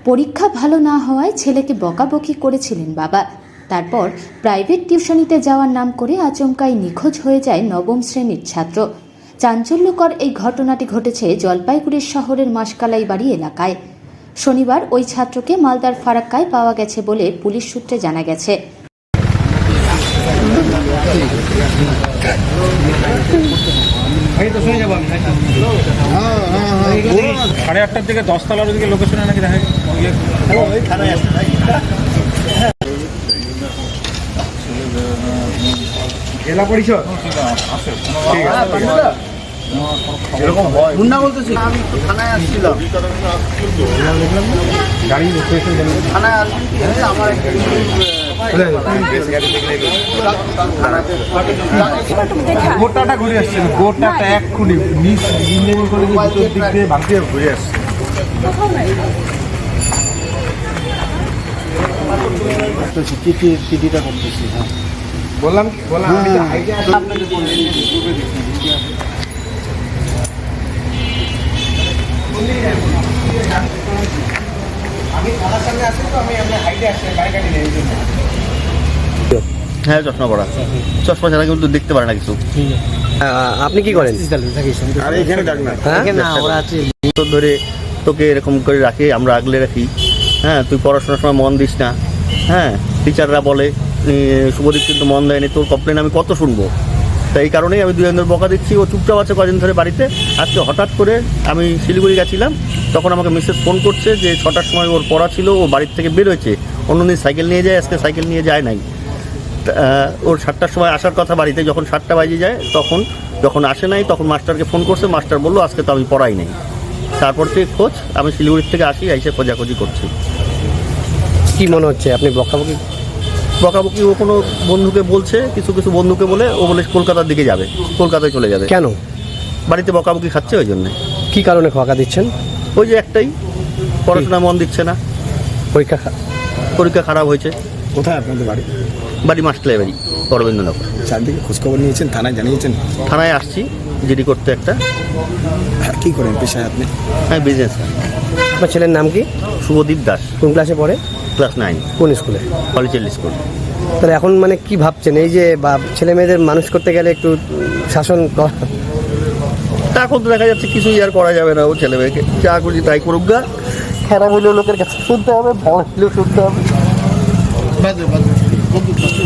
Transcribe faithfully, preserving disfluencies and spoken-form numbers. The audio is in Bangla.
পরীক্ষা ভালো না হওয়ায় ছেলেকে বকাবকি করেছিলেন বাবা। তারপর প্রাইভেট টিউশনিতে যাওয়ার নাম করে আচমকাই নিখোঁজ হয়ে যায় নবম শ্রেণীর ছাত্র। চাঞ্চল্যকর এই ঘটনাটি ঘটেছে জলপাইগুড়ি শহরের মাসকালাই বাড়ি এলাকায়। শনিবার ওই ছাত্রকে মালদার ফারাক্কায় পাওয়া গেছে বলে পুলিশ সূত্রে জানা গেছে। সাড়ে আটটার দিকে দশতলার ওদিকে লোকেশনে নাকি দেখা জেলা পরিষদ এরকম মুন্না বলতেছি। আমি তো থানায় আসছিলাম, গাড়ি থানায় আসছি। আমার গোটাটা ঘুরে আসছে, গোটাটা এক খুনি মিস ইঞ্জিনিয়ারিং কলেজের ভিতর দিক দিয়ে ভাঙতে ঘুরে আসছে। চিঠি চিঠিটা করতেছি, হ্যাঁ বললাম বললাম হ্যাঁ চশমা পড়া, চশমা ছাড়া কিন্তু দেখতে পারে না কিছু। আপনি কি করেন? ধরে তোকে এরকম করে রাখি, আমরা আগলে রাখি। হ্যাঁ, তুই পড়াশোনার সময় মন দিস না। হ্যাঁ, টিচাররা বলে শুভদীপ কিন্তু মন দেয়নি, তোর কমপ্লেন আমি কত শুনবো। তাই এই কারণেই আমি দুই দিন বকা দিচ্ছি। ও চুপচাপ আছে কদিন ধরে বাড়িতে। আজকে হঠাৎ করে আমি শিলিগুড়ি গেছিলাম, তখন আমাকে মিসেস ফোন করছে যে ছটার সময় ওর পড়া ছিল, ও বাড়ির থেকে বের হয়েছে। অন্যদিন সাইকেল নিয়ে যায়, আজকে সাইকেল নিয়ে যায় নাই। ওর সাতটার সময় আসার কথা বাড়িতে, যখন সাতটা বাজে যায় তখন যখন আসে নাই তখন মাস্টারকে ফোন করছে। মাস্টার বললো আজকে তো আমি পড়াই নাই। তারপর থেকে খোঁজ, আমি শিলিগুড়ির থেকে আসি, এসে খোঁজাখুঁজি করছি। কি মনে হচ্ছে আপনি বকাবকি বকাবকি ও কোনো বন্ধুকে বলছে, কিছু কিছু বন্ধুকে বলে ও বলে কলকাতার দিকে যাবে, কলকাতায় চলে যাবে। কেন? বাড়িতে বকাবকি খাচ্ছে ওই জন্যে। কী কারণে বকা দিচ্ছেন? ওই যে একটাই, পড়াশোনা মন দিচ্ছে না, পরীক্ষা পরীক্ষা খারাপ হয়েছে। কোথায় আপনাদের বাড়ি? বাড়ি মাস্টারলাই বাড়ি, অরবিন্দনগর। চারদিকে খোঁজখবর নিয়েছেন, থানায় জানিয়েছেন? থানায় আসছি জিডি করতে একটা। কী করেন পেশায় আপনি? হ্যাঁ, বিজনেস। আপনার ছেলের নাম কি? শুভদীপ দাস। কোন ক্লাসে পড়ে? Class nine. কোন স্কুলে? Holy child school. তাহলে এখন মানে কি ভাবছেন, এই যে বা ছেলে মেয়েদের মানুষ করতে গেলে একটু শাসন করা? তা এখন তো দেখা যাচ্ছে কিছুই আর করা যাবে না। ও ছেলে মেয়েকে যা করছি তাই করুক গা। খারাপ হলেও লোকের কাছে শুনতে হবে, ভালো হলেও শুনতে হবে।